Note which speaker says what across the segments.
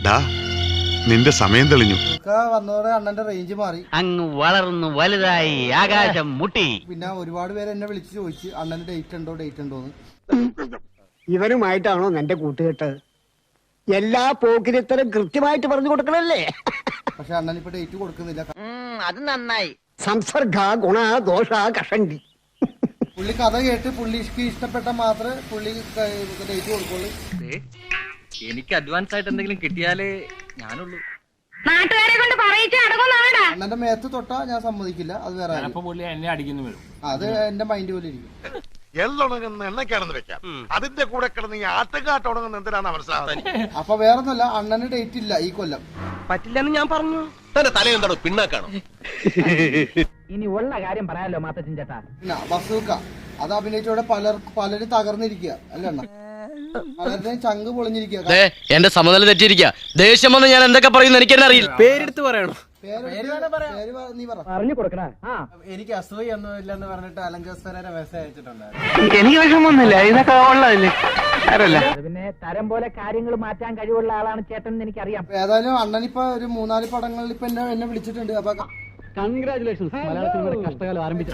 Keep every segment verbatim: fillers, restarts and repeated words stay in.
Speaker 1: നിന്റെ സമയം തെളിഞ്ഞു.
Speaker 2: വന്നതോടെ അണ്ണന്റെ റേഞ്ച് മാറി,
Speaker 3: അങ്ങ് വളർന്നു വലുതായി ആകാശം മുട്ടി.
Speaker 2: പിന്നെ ഒരുപാട് പേര് എന്നെ വിളിച്ച് ചോദിച്ചു അണ്ണന് ഡേറ്റ് ഉണ്ടോ ഡേറ്റ് ഉണ്ടോന്ന്.
Speaker 4: ഇവനുമായിട്ടാണോ നിന്റെ കൂട്ടുകെട്ട്? എല്ലാ പോക്കിരിത്തരം കൃത്യമായിട്ട് പറഞ്ഞു കൊടുക്കണല്ലേ?
Speaker 2: പക്ഷെ അണ്ണൻ ഇപ്പൊ ഡേറ്റ് കൊടുക്കുന്നില്ല.
Speaker 3: അത് നന്നായി.
Speaker 4: സംസർഗ ഗുണ ദോഷ കഷണ്ടി.
Speaker 2: പുള്ളി കഥ കേട്ട് പുള്ളിക്ക് ഇഷ്ടപ്പെട്ട മാത്രമേ പുള്ളി ഡേറ്റ് കൊടുക്കുള്ളൂ.
Speaker 5: എനിക്ക് അഡ്വാൻസ് ആയിട്ട് എന്തെങ്കിലും കിട്ടിയാലേ ഞാനുള്ളൂ.
Speaker 6: നാട്ടുകാരെ കൊണ്ട് പറയിച്ച് അടങ്ങുന്നാടാ.
Speaker 2: അണ്ണന്റെ മേത്ത് തൊട്ടാ ഞാൻ സമ്മതിക്കില്ല. അത് വേറെ
Speaker 5: എന്നെ അടിക്കുന്നു വരും.
Speaker 2: അത് എന്റെ മൈൻഡ് പോലെ ഇരിക്കും.
Speaker 1: എള്ളുണങ്ങുന്ന എണ്ണക്കാണെന്ന് വെക്കാം, അതിന്റെ കൂടെ കിടന്ന് ഈ ആട്ടുകാട്ട് ഉണങ്ങുന്ന എന്തിനാണ് മനസ്സിലാവുന്നത്?
Speaker 2: അപ്പൊ വേറൊന്നുമല്ല, അണ്ണന് ഡേറ്റ് ഇല്ല ഈ കൊല്ലം.
Speaker 5: പറ്റില്ലെന്ന് ഞാൻ പറഞ്ഞു.
Speaker 7: തലയെന്താണോ പിണ്ണാക്കാണോ?
Speaker 3: ഇനി ഉള്ള കാര്യം പറയാലോ മാത്തച്ഛൻ ചേട്ടാ.
Speaker 2: പിന്നെ ബസൂക്ക അത് അഭിനയിച്ചോടെ പലർ പലരും തകർന്നിരിക്കുക അല്ലേ അണ്ണ? പലരുടെയും ചങ്ക് പൊളിഞ്ഞിരിക്കുക.
Speaker 7: എന്റെ സമനില തെറ്റിയിരിക്കുക. ദേഷ്യം വന്ന് ഞാൻ എന്തൊക്കെ പറയുന്നു എനിക്ക് തന്നെ അറിയില്ല. പേരെടുത്ത് പറയണോ?
Speaker 2: നീ പറ.
Speaker 3: പറഞ്ഞു കൊടുക്കണ.
Speaker 2: എനിക്ക് അസൂയ ഒന്നും ഇല്ലെന്ന് പറഞ്ഞിട്ട് അലങ്കോസ്തരനെ മെസ്സേജ് അയച്ചിട്ടുണ്ടായിരുന്നു.
Speaker 3: എനിക്ക് വിഷമൊന്നുമില്ല, ഇതൊക്കെ ഉള്ളതല്ലേ. പിന്നെ തരം പോലെ കാര്യങ്ങൾ മാറ്റാൻ കഴിവുള്ള ആളാണ് ചേട്ടൻ എന്ന് എനിക്കറിയാം.
Speaker 2: ഏതായാലും അണ്ണനിപ്പോ ഒരു മൂന്നാല് പടങ്ങളിൽ ഇപ്പൊ എന്നെ എന്നെ വിളിച്ചിട്ടുണ്ട്. അപ്പൊ
Speaker 3: കൺഗ്രാറ്റുലേഷൻസ്. മലയാള സിനിമയുടെ കഷ്ടകാലം ആരംഭിച്ചു.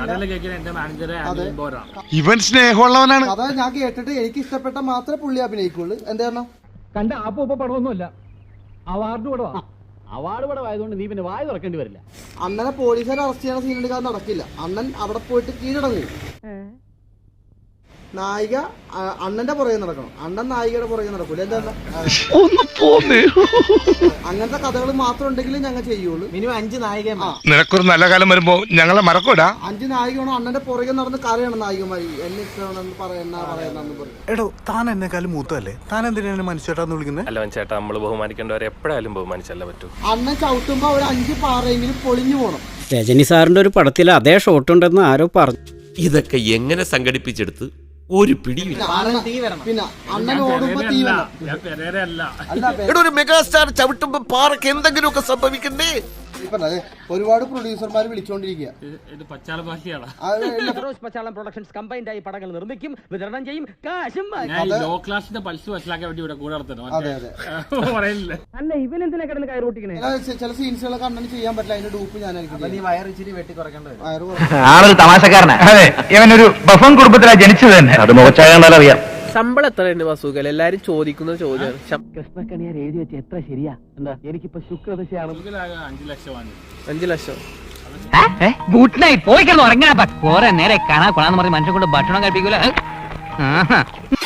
Speaker 1: ഇവൻ സ്നേഹമുള്ളവനാണ്.
Speaker 2: അതാ ഞാൻ കേട്ടിട്ട് എനിക്ക് ഇഷ്ടപ്പെട്ട മാത്രമേ പുള്ളി അഭിനയിക്കുള്ളൂ. എന്താ കാരണം?
Speaker 3: കണ്ട ആപ്പ ഉപ്പ പടമൊന്നുമല്ല, അവാർഡ് പടവാ. അവാർഡ് പടമായതുകൊണ്ട് നീ പിന്നെ വായ തുറക്കേണ്ടി വരില്ല.
Speaker 2: അണ്ണനെ പോലീസുകാർ അറസ്റ്റ് ചെയ്യണ സീൻ എടുക്കാൻ നടക്കില്ല. അണ്ണൻ അവിടെ പോയിട്ട് കീഴടങ്ങും. നായിക അണ്ണന്റെ പുറകെ നടക്കണം, അണ്ണൻ നായികയുടെ പുറകെ നടക്കൂല. എന്താ അങ്ങനത്തെ കഥകൾ മാത്രം ഉണ്ടെങ്കിൽ ഞങ്ങൾ ചെയ്യുള്ളൂ. മിനിമം അഞ്ച് നായിക.
Speaker 1: നിനക്കൊരു നല്ല കാലം വരുമ്പോ ഞങ്ങളെ മറക്കൂടാ.
Speaker 2: അഞ്ച് നായികയാണോ അണ്ണന്റെ പുറകെ നടന്ന് കരയണം നായികമാരി. എന്നെ ഇഷ്ടമാണെന്ന് പറയുന്ന പറയുന്നു പറയും.
Speaker 8: എടോ താൻ എന്നെക്കാളും മൂത്തല്ലേ, താൻ എന്തിനാണ് മനുഷ്യട്ടാന്ന് വിളിക്കുന്നത്?
Speaker 7: അല്ല ചേട്ടാ, നമ്മള് ബഹുമാനിക്കേണ്ടവരെ എപ്പോഴായാലും ബഹുമാനിച്ചല്ല പറ്റൂ.
Speaker 2: അണ്ണൻ ചവിട്ടുമ്പോ ഒരു അഞ്ച് പാറയെങ്കിലും പൊളിഞ്ഞു പോണം.
Speaker 9: രജനി സാറിന്റെ ഒരു പടത്തിൽ അതേ ഷോട്ട് ഉണ്ടെന്ന് ആരോ പറഞ്ഞു.
Speaker 7: ഇതൊക്കെ എങ്ങനെ സംഘടിപ്പിച്ചെടുത്ത് ഒരു പിടിയില്ല.
Speaker 2: പിന്നെ അണ്ണൻ ഓടുമ്പോ തീ വേണം.
Speaker 7: ഇവിടെ ഒരു മെഗാസ്റ്റാർ ചവിട്ടുമ്പോ പാറക്ക് എന്തെങ്കിലുമൊക്കെ സംഭവിക്കണ്ടേ?
Speaker 2: ഒരുപാട് പ്രൊഡ്യൂസർമാർ വിളിച്ചോണ്ടിരിക്കുക.
Speaker 3: പച്ചാളം പ്രൊഡക്ഷൻസ് കമ്പൈൻഡ് ആയി പടങ്ങൾ നിർമ്മിക്കും, വിതരണം ചെയ്യും, കാശും. അല്ല ഇവൻ എന്തിനാ കിടന്ന് കയറി പൊട്ടിക്കണേ?
Speaker 2: ചില സീൻസുകളൊക്കെ അണ്ണന് ചെയ്യാൻ പറ്റില്ല. അതിന്റെ ഡൂപ്പ് ഞാനായിരിക്കും. വയറിച്ചിരി വെട്ടി കുറയ്ക്കേണ്ടത്.
Speaker 5: ആളൊരു തമാശക്കാരനാ. അതെ, ഇവനൊരു ബഫൺ കുടുംബത്തിലാ ജനിച്ചത് തന്നെ. അത് മുഖച്ചാകണ്ടാൽ അറിയാം.
Speaker 10: ശമ്പളം എത്ര തന്നെ വസൂക്കൽ? എല്ലാരും ചോദിക്കുന്ന ചോദ്യമാണ്.
Speaker 3: കൃഷ്ണക്കണിയാർ എഴുതി വെച്ച എത്ര ശരിയാ? എന്താ എനിക്കിപ്പോ ശുക്രദശയാണ്.
Speaker 10: അഞ്ചു ലക്ഷം.
Speaker 3: ഗുഡ് നൈറ്റ്, പോയി കിടന്ന് ഉറങ്ങാ. പോരെ നേരെ കാണാ കൊള്ളാന്ന് പറഞ്ഞ് മനുഷ്യൻ കൊണ്ട് ഭക്ഷണം കഴിപ്പിക്കൂല.